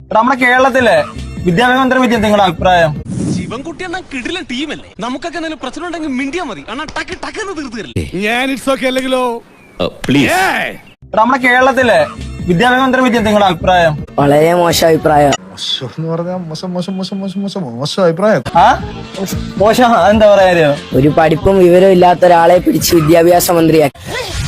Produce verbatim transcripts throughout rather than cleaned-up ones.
നമ്മുടെ കേരളത്തിലെ വിദ്യാഭ്യാസ മന്ത്രിയെ പറ്റി നിങ്ങളുടെ അഭിപ്രായം? ശിവൻകുട്ടി എന്ന കിടിലൻ ടീമല്ലേ? നമുക്കൊക്കെ എന്തെങ്കിലും പ്രശ്നം ഉണ്ടെങ്കിൽ മിണ്ടിയാ മതി. അണ്ണാ ടക്ക് ടക്കെന്ന് തീർത്തു തരില്ലേ? ഞാൻ ഇറ്റ്സ് ഓക്കേ അല്ലെങ്കിലോ? പ്ലീസ്. നമ്മുടെ കേരളത്തിലെ വിദ്യാഭ്യാസ മന്ത്രിയെ പറ്റി നിങ്ങളുടെ അഭിപ്രായം? വളരെ മോശം അഭിപ്രായം. മോശം മോശം മോശം മോശം മോശം മോശം അഭിപ്രായം. ആ മോശം എന്താ പറയാ? ഒരു പഠിപ്പും വിവരവും ഇല്ലാത്ത ഒരാളെ പിടിച്ച് വിദ്യാഭ്യാസ മന്ത്രിയാക്കി.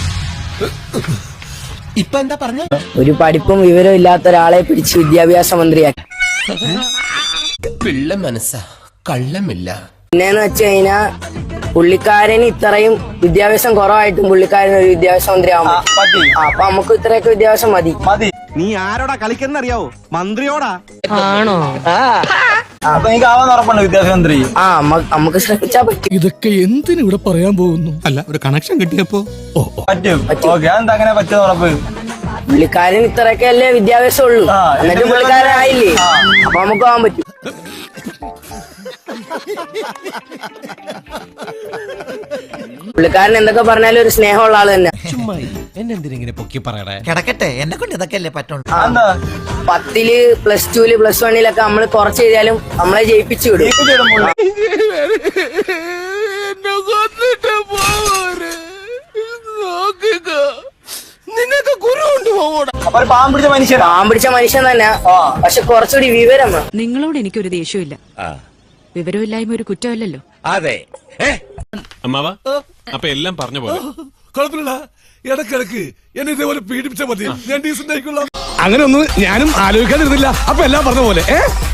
ഇപ്പൊ എന്താ പറഞ്ഞ? ഒരു പഠിപ്പും വിവരവും ഇല്ലാത്ത ഒരാളെ പിടിച്ച് വിദ്യാഭ്യാസ മന്ത്രിയാക്കി. പിള്ള മനസ്സാ, കള്ളമില്ല. പിന്നെന്ന് വെച്ച് കഴിഞ്ഞാ പുള്ളിക്കാരന് ഇത്രയും വിദ്യാഭ്യാസം കുറവായിട്ടും പുള്ളിക്കാരൻ ഒരു വിദ്യാഭ്യാസ മന്ത്രി ആവാൻ പറ്റും. അപ്പൊ നമുക്ക് ഇത്രയൊക്കെ വിദ്യാഭ്യാസം മതി മതി. നീ ആരോടാ കളിക്കുന്നറിയാവോ? മന്ത്രിയോടാ. ആണോ? അപ്പൊ എനിക്ക് ആവാൻ ഉറപ്പുണ്ട് വിദ്യാഭ്യാസ മന്ത്രി. ആ നമുക്ക് ശ്രമിച്ചാ പറ്റും. ഇതൊക്കെ എന്തിനു ഇവിടെ പറയാൻ പോകുന്നു? അല്ല, ഒരു കണക്ഷൻ കിട്ടിയപ്പോ പറ്റും. ഓക്കെ, അതെന്താ അങ്ങനെ പറ്റുന്ന ഉറപ്പ്? പുള്ളിക്കാരൻ ഇത്രയൊക്കെ അല്ലേ വിദ്യാഭ്യാസം ഉള്ളൂ, എന്നിട്ട് പുള്ളിക്കാരനായില്ലേ? അപ്പൊ നമുക്ക് ആവാൻ പറ്റും. പുള്ളിക്കാരൻ എന്തൊക്കെ പറഞ്ഞാലും ഒരു സ്നേഹമുള്ള ആള് തന്നെ. എന്നെന്തിനെ പൊക്കി പറയണേ? കിടക്കട്ടെ, എന്നെ കൊണ്ട് ഇതൊക്കെ അല്ലേ പറ്റുള്ളൂ. പത്തില് പ്ലസ് ടുല് പ്ലസ് വണ്ണിലൊക്കെ നമ്മള് കുറച്ച് ചെയ്താലും നമ്മളെ ജയിപ്പിച്ചു വിടും. നിനക്ക് ഗുരു ഉണ്ട് പോവോടാ. അപ്പൊ പാവം പിടിച്ച മനുഷ്യൻ പാവം പിടിച്ച മനുഷ്യൻ തന്നെ, പക്ഷെ കുറച്ചുകൂടി വിവരം വേണം. നിങ്ങളോട് എനിക്കൊരു ദേഷ്യമില്ല. വിവരമില്ലായ്മ ഒരു കുറ്റമല്ലല്ലോ. അതെ. അമ്മാവാ, അപ്പൊ എല്ലാം പറഞ്ഞ പോലെ കുഴപ്പമില്ല. ഇടക്കിടക്ക് എന്നെ ഇതേപോലെ പീഡിപ്പിച്ചാൽ മതി, ഞാൻ ഡീസന്റ് ആയിക്കൊള്ളാം. അങ്ങനെ ഒന്നും ഞാനും ആലോചിക്കാതിരുന്നില്ല. അപ്പൊ എല്ലാം പറഞ്ഞ പോലെ ഏ